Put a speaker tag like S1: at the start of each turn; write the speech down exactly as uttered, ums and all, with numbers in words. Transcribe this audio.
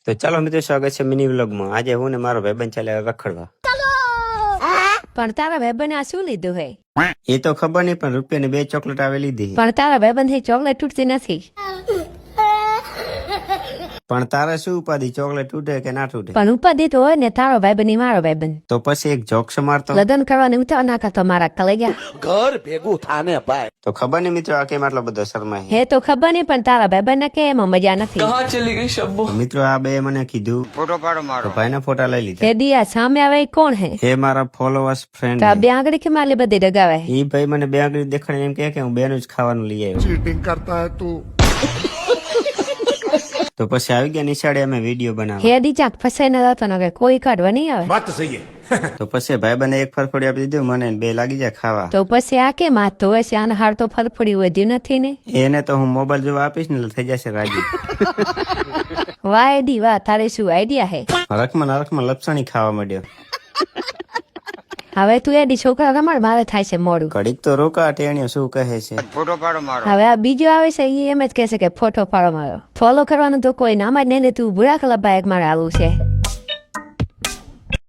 S1: તો ચાલો મિત્રો, સ્વાગત છે મિની વ્લોગમાં. આજે હું ને મારો ભાઈબંધ ચાલે રખડવા.
S2: પણ તારા ભાઈબંધે આ શું લીધું હે?
S1: એ તો ખબર નહીં, પણ રૂપિયાની બે ચોકલેટ આવે લીધી.
S2: પણ તારા ભાઈબંધ ચોકલેટ તૂટતી નથી.
S1: પણ તારે શું ઉપાધિ, ચોકલેટ તૂટે કે ના તૂટે?
S2: પણ ઉપાધિ તો હોય ને, તારો ભાઈબંધ ની મારો ભાઈબંધ.
S1: તો પછી એક જોક્સ મારતો.
S2: લગ્ન કરવાની ઉતાર ના કરતો મારા કલેજા.
S3: ઘર ભેગું થાને ભાઈ.
S1: તો ખબર નહીં મિત્રો, આ કેમ આટલો બધો શરમાય.
S2: હે તો ખબર નહીં, પણ તારા ભાઈબંધ ને કે એમાં મજા નથી.
S3: કહાં ચલી ગઈ શબ્બો?
S1: મિત્રો આ બે મને કીધું ફોટો પાડો મારો, ભાઈના ફોટા લઈ લીધા.
S2: હે દિયા સામે આવે એ કોણ હે?
S1: એ મારા ફોલોઅર્સ ફ્રેન્ડ.
S2: તો આ બે આંગળી કે માલી બધી ડગાવે.
S1: એ ભાઈ મને બે આંગળી દેખાડી એમ કહે કે હું બેનું જ ખાવાનું લઈ આવ્યો.
S4: चीटिंग करता है तू।
S1: તો પછી આવી ગયા નિશાળે, અમે વિડીયો બનાવ્યો.
S2: હે દી ચાક ફસાઈ ન જતો ને કોઈ કાઢવા નહીં આવે.
S4: बात तो सही है।
S1: તો પછી ભાઈબંધે એક ફરફડી આપી દીધું મને, ને બે લાગી જાય ખાવા.
S2: તો પછી આ કેમ હાથ ધોવે છે? આને હાર તો ફરફડી વધ્યું નથી ને.
S1: એને તો હું મોબાઈલ જોવા આપીશ ને એટલે થઈ જશે રાજી.
S2: વાહ દી વાહ, તારે શું આઈડિયા હે?
S1: રખમાં ને રખમાં લપસણી ખાવા માંડ્યો.
S2: હવે તું એડી છોકરા રમાડ, મારે થાય છે મોડું.
S1: ઘડીક તો રોકા, ટેણીઓ શું કહે છે. ફોટો પાડો મારો.
S2: હવે આ બીજો આવે છે એ એમ જ કહે છે કે ફોટો પાડો મારો. ફોલો કરવાનું તો કોઈ નામ જ નહીં ને, તું બુરા કલબ બાઈક મારે આવું છે.